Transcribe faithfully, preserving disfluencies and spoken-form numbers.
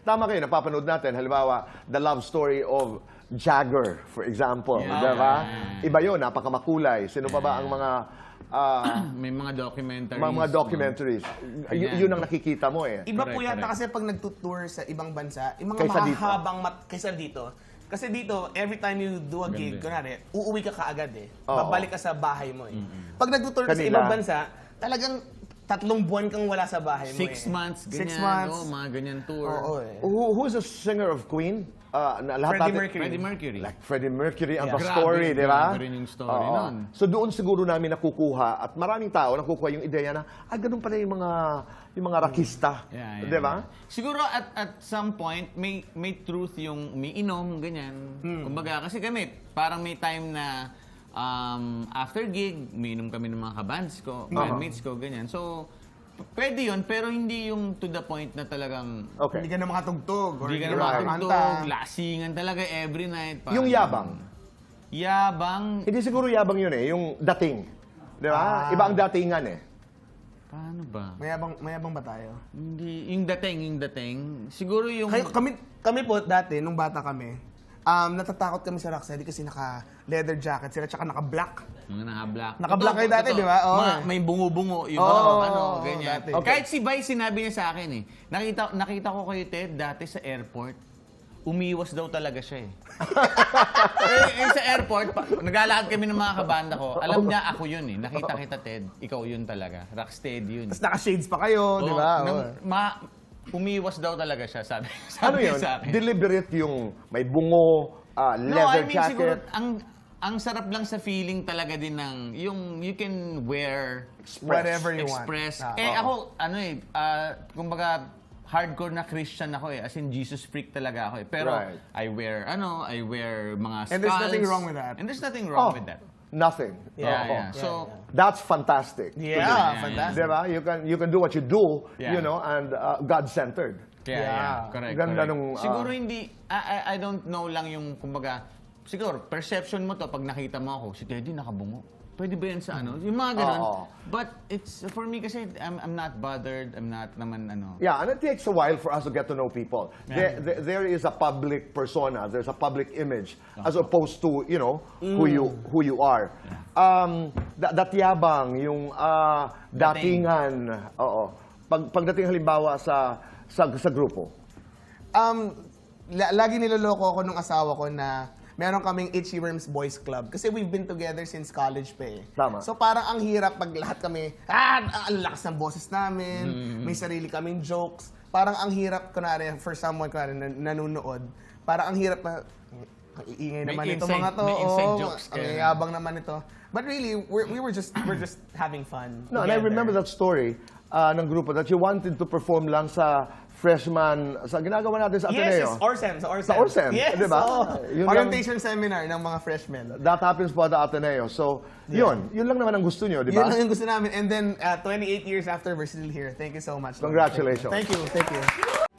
tama kayo, napapanood natin, halimbawa, the love story of Jagger, for example. Yeah. Di ba? Iba yun, napakamakulay. Sino pa ba ang mga... ah, May mga documentaries. mga, mga documentaries. Y- yun ang nakikita mo eh. Iba Correct, po yata correct. kasi pag nagtutour sa ibang bansa, yung mga Kaysa dito. mahahabang mat kaysa dito. Kasi dito, every time you do a gig, kunwari, uuwi ka kaagad eh. Oo. Babalik ka sa bahay mo eh. Pag nagtutour ka sa Kanila. ibang bansa, talagang tatlong buwan kang wala sa bahay mo Six eh. months, ganyan. Six months. Oh, mga ganyan tour. Oo eh. Who, who's the singer of Queen? Ah, na, lahat Freddie natin- Mercury. Freddie Mercury. Like Freddie Mercury ang Yeah. the story, Grabe, di ba? grabe rin yung story Oo. nun. So doon siguro namin nakukuha at maraming tao nakukuha yung ideya na, ah, ganun pala yung mga, yung mga rakista. Yeah, yeah, Di ba? yeah. Siguro at at some point, may may truth yung umiinom, ganyan. Kumbaga, kasi kami, parang may time na um, after gig, umiinom kami ng mga kabands ko, bandmates ko, ganyan. So, p- pwede yun, pero hindi yung to the point na talagang Okay. Hindi ka na makatugtog. or hindi ka na Right. makatugtog, lasingan talaga every night. Parang- Yung yabang. Yabang, Hindi siguro yabang yun eh, yung dating. Di ba? Ah. Iba ang datingan eh. paano ba? Mayabang, mayabang ba tayo? Hindi, yung dating, yung dating. Siguro yung... Kayo, kami, kami po dati, nung bata kami, um, natatakot kami sa Rocksteady kasi naka-leather jacket sila, tsaka naka-black. Mga naka-black. Naka-black kayo dati, Totoo. di ba? Oo. Mga may bungo-bungo, yung Oo, mga oo, ano, oo, ganyan. dati. Okay. Kahit si Bay, sinabi niya sa akin eh. Nakita, nakita ko kayo, Ted, dati sa airport. Umiwas daw talaga siya eh. eh, eh, sa airport, pa, naglalakad kami ng mga kabanda ko. Alam niya, ako yun eh. Nakita kita, Ted. Ikaw yun talaga. Rocksteady yun. Tapos naka-shades pa kayo, di ba? Oo, nang Oo. ma, umiwas daw talaga siya, sabi, Ano sabi yun? sa akin. Deliberate yung may bungo, ah, No, leather I mean jacket. siguro ang ang sarap lang sa feeling talaga din ng yung you can wear Whatever you express. want. Ah, eh oo. ako ano eh ah, kumbaga hardcore na Christian ako eh, as in Jesus freak talaga ako eh. Pero Right. I wear ano, I wear mga And there's skulls. nothing wrong with that. And there's nothing wrong Oh, with that. nothing. Yeah, Oo. yeah. So That's fantastic. Yeah, yeah, fantastic. Diba? You can you can do what you do, Yeah. you know, and uh, God-centered. kaya Yeah. yeah, correct. Ganda correct. nung, ah, siguro hindi I, I I don't know lang yung kumbaga siguro perception mo to pag nakita mo ako si Teddy nakabungo. Pwede ba yan sa ano? Yung mga ganun. Oo. But it's, for me kasi, I'm, I'm not bothered. I'm not naman ano. Yeah, and it takes a while for us to get to know people. There, there, there is a public persona, there's a public image, as opposed to, you know, who you who you are. Um, that, that yabang, yung ah, Dating. datingan, oo. Pag, pagdating halimbawa sa, sa, sa grupo. Um, la- lagi niloloko ako nung asawa ko na meron kaming Itchy Worms Boys Club. Kasi we've been together since college pa eh. Tama. So parang ang hirap pag lahat kami, ah, ang lakas ng boses namin, Mm-hmm. may sarili kaming jokes. Parang ang hirap, kunwari, for someone, kunwari, nan- nanonood, parang ang hirap na, ang iingay May naman ito inside- mga to. may inside oo, jokes ang kayo. yabang naman ito. But really, we're, we were just we're just having fun. No, and I together. remember that story uh, ng grupo that you wanted to perform lang sa freshman, sa ginagawa natin sa Yes, Ateneo. yes, Orsem, sa Orsem. Sa Orsem, Yes, di ba? oo. Yun lang- Orientation seminar ng mga freshmen. That happens po at the Ateneo. So, yun. Yun lang naman ang gusto nyo, di Yun ba? lang yung gusto namin. And then, uh, twenty-eight years after, we're still here. Thank you so much. Lord. Congratulations. Thank you. Thank you.